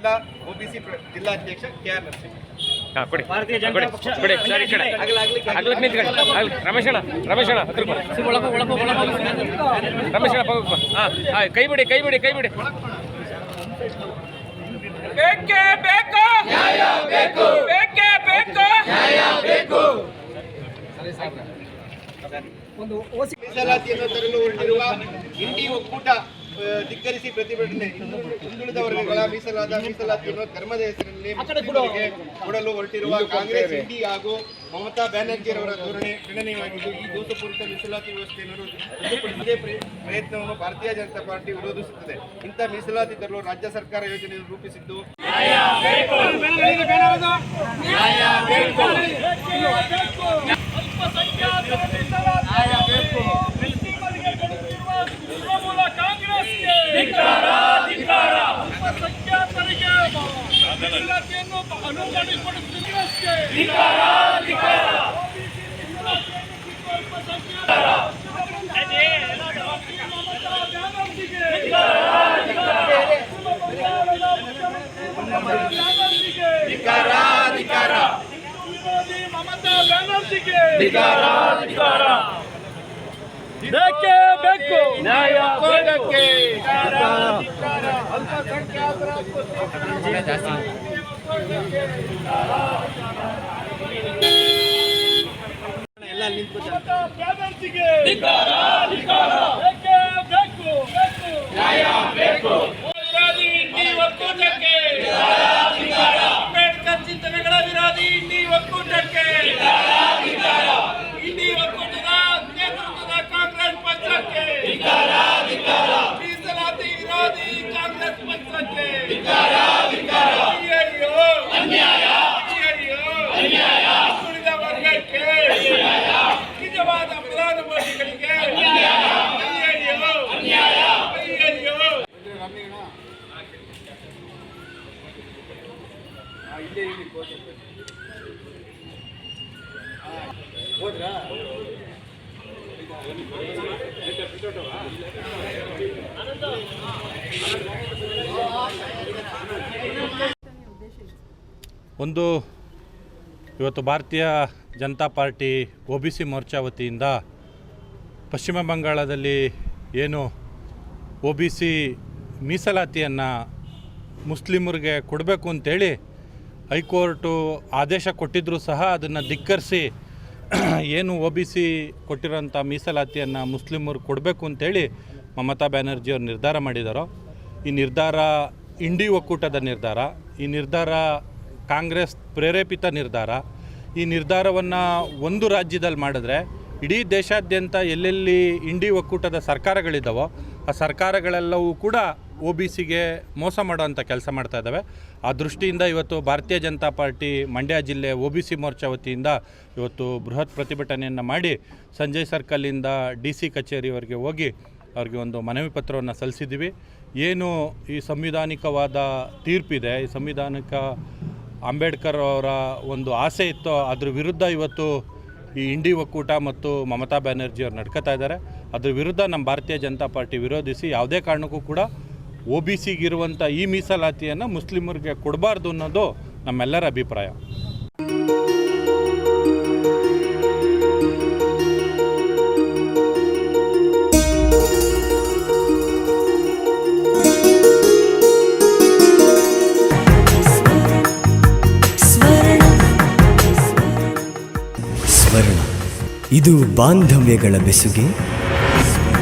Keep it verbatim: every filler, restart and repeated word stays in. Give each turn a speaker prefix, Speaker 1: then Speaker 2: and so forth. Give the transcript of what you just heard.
Speaker 1: ಜಿಲ್ಲಾ ಒಬಿಸಿ ಜಿಲ್ಲಾಧ್ಯಕ್ಷ K R Narasimha.
Speaker 2: ಭಾರತೀಯ ಜನತಾ ಪಕ್ಷ ರಮೇಶಣ್ಣ ರಮೇಶಣ್ಣ ರಮೇಶಣ್ಣ ಕೈ ಬಿಡಿ ಕೈ ಬಿಡಿ ಕೈ ಬಿಡಿ. ಬೇಕೇ ಬೇಕು ನ್ಯಾಯ ಬೇಕು, ಬೇಕೇ ಬೇಕು ನ್ಯಾಯ ಬೇಕು.
Speaker 1: ಒಂದು ಮೀಸಲಾತಿಯನ್ನು ತರಲು ಹೊರಟಿರುವ ಇಂಡಿ ಒಕ್ಕೂಟ ಧಿಕ್ಕರಿಸಿ ಪ್ರತಿಭಟನೆ. ಹಿಂದುಳಿದ ವರ್ಗಗಳ ಮೀಸಲಾದ ಮೀಸಲಾತಿಯನ್ನು ಧರ್ಮದ ಹೆಸರಿನಲ್ಲಿ ಮುಸ್ಲಿಮರಿಗೆ ಕೊಡಲು ಹೊರಟಿರುವ ಕಾಂಗ್ರೆಸ್ ಇಂಡಿ ಹಾಗೂ ಮಮತಾ ಬ್ಯಾನರ್ಜಿಯವರ ಧೋರಣೆ ಖಂಡನೀಯವಾಗಿದ್ದು, ಈ ದೋಷಪೂರಿತ ಮೀಸಲಾತಿ ವ್ಯವಸ್ಥೆಯನ್ನು ರದ್ದುಪಡಿಸದೇ ಪ್ರಯತ್ನವನ್ನು ಭಾರತೀಯ ಜನತಾ ಪಾರ್ಟಿ ವಿರೋಧಿಸುತ್ತದೆ. ಇಂಥ ಮೀಸಲಾತಿ ತರಲು ರಾಜ್ಯ ಸರ್ಕಾರ ಯೋಜನೆಯನ್ನು ರೂಪಿಸಿದ್ದು
Speaker 2: ಮಮತಾ ಬ್ಯಾನರ್ಜಿಗೆ ಬೇಕೇ ಬೇಕು ನ್ಯಾಯ ಬೇಕೇ. ಅಲ್ಪಸಂಖ್ಯಾತರ ಎಲ್ಲ ನಿಂತ್ಕೊಳ್ತಾರೆ. ಬ್ಯಾನರ್ಜಿಗೆ ಬೇಕೇ ಬೇಕು ನ್ಯಾಯ ಬೇಕು. ವಿರೋಧಿ ಇಂಡಿ ಒಕ್ಕೂಟಕ್ಕೆ, ಅಂಬೇಡ್ಕರ್ ಚಿಂತನೆಗಳ ವಿರೋಧಿ ಇಂಡಿ ಒಕ್ಕೂಟಕ್ಕೆ, ಇಂಡಿ ಒಕ್ಕೂಟದ ನೇತೃತ್ವದ ಕಾಂಗ್ರೆಸ್ ಪಕ್ಷಕ್ಕೆ, ಮೀಸಲಾತಿ ವಿರೋಧಿ ಕಾಂಗ್ರೆಸ್ ಪಕ್ಷಕ್ಕೆ ಉಳಿದ ವರ್ಗಕ್ಕೆ ನಿಜವಾದ ಫಲಾನುಭವಿಗಳಿಗೆ ಹೋದ್ರಾ
Speaker 3: ಒಂದು ಇವತ್ತು Bharatiya Janata Party O B C Morcha ವತಿಯಿಂದ ಪಶ್ಚಿಮ ಬಂಗಾಳದಲ್ಲಿ ಏನು ಒ ಬಿ ಸಿ ಮೀಸಲಾತಿಯನ್ನು ಮುಸ್ಲಿಮರಿಗೆ ಕೊಡಬೇಕು ಅಂತೇಳಿ ಹೈಕೋರ್ಟು ಆದೇಶ ಕೊಟ್ಟಿದ್ದರೂ ಸಹ ಅದನ್ನು ಧಿಕ್ಕರಿಸಿ ಏನು ಒ ಬಿ ಸಿ ಕೊಟ್ಟಿರೋಂಥ ಮೀಸಲಾತಿಯನ್ನು ಮುಸ್ಲಿಮರು ಕೊಡಬೇಕು ಅಂತೇಳಿ ಮಮತಾ ಬ್ಯಾನರ್ಜಿಯವರು ನಿರ್ಧಾರ ಮಾಡಿದಾರೋ, ಈ ನಿರ್ಧಾರ ಇಂಡಿ ಒಕ್ಕೂಟದ ನಿರ್ಧಾರ, ಈ ನಿರ್ಧಾರ ಕಾಂಗ್ರೆಸ್ ಪ್ರೇರೇಪಿತ ನಿರ್ಧಾರ. ಈ ನಿರ್ಧಾರವನ್ನು ಒಂದು ರಾಜ್ಯದಲ್ಲಿ ಮಾಡಿದ್ರೆ ಇಡೀ ದೇಶಾದ್ಯಂತ ಎಲ್ಲೆಲ್ಲಿ ಇಂಡಿ ಒಕ್ಕೂಟದ ಸರ್ಕಾರಗಳಿದ್ದಾವೋ ಆ ಸರ್ಕಾರಗಳೆಲ್ಲವೂ ಕೂಡ ಒ ಬಿ ಸಿಗೆ ಮೋಸ ಮಾಡೋವಂಥ ಕೆಲಸ ಮಾಡ್ತಾ ಇದ್ದಾವೆ. ಆ ದೃಷ್ಟಿಯಿಂದ ಇವತ್ತು ಭಾರತೀಯ ಜನತಾ ಪಾರ್ಟಿ ಮಂಡ್ಯ ಜಿಲ್ಲೆ ಒ ಬಿ ಸಿ ಮೋರ್ಚಾ ವತಿಯಿಂದ ಇವತ್ತು ಬೃಹತ್ ಪ್ರತಿಭಟನೆಯನ್ನು ಮಾಡಿ ಸಂಜಯ್ ಸರ್ಕಲಿಂದ ಡಿ ಸಿ ಕಚೇರಿವರೆಗೆ ಹೋಗಿ ಅವ್ರಿಗೆ ಒಂದು ಮನವಿ ಪತ್ರವನ್ನು ಸಲ್ಲಿಸಿದ್ದೀವಿ. ಏನು ಈ ಸಂವಿಧಾನಿಕವಾದ ತೀರ್ಪಿದೆ, ಈ ಸಂವಿಧಾನಿಕ ಅಂಬೇಡ್ಕರ್ ಅವರ ಒಂದು ಆಸೆ ಇತ್ತು, ಅದ್ರ ವಿರುದ್ಧ ಇವತ್ತು ಈ ಇಂಡಿ ಒಕ್ಕೂಟ ಮತ್ತು ಮಮತಾ ಬ್ಯಾನರ್ಜಿಯವರು ನಡ್ಕೋತಾ ಇದ್ದಾರೆ. ಅದ್ರ ವಿರುದ್ಧ ನಮ್ಮ ಭಾರತೀಯ ಜನತಾ ಪಾರ್ಟಿ ವಿರೋಧಿಸಿ ಯಾವುದೇ ಕಾರಣಕ್ಕೂ ಕೂಡ ಒ ಬಿ ಸಿಗಿರುವಂಥ ಈ ಮೀಸಲಾತಿಯನ್ನು ಮುಸ್ಲಿಮರಿಗೆ ಕೊಡಬಾರ್ದು ಅನ್ನೋದು ನಮ್ಮೆಲ್ಲರ ಅಭಿಪ್ರಾಯ.
Speaker 4: ಸ್ವರ್ಣ, ಇದು ಬಾಂಧವ್ಯಗಳ ಬೆಸುಗೆ.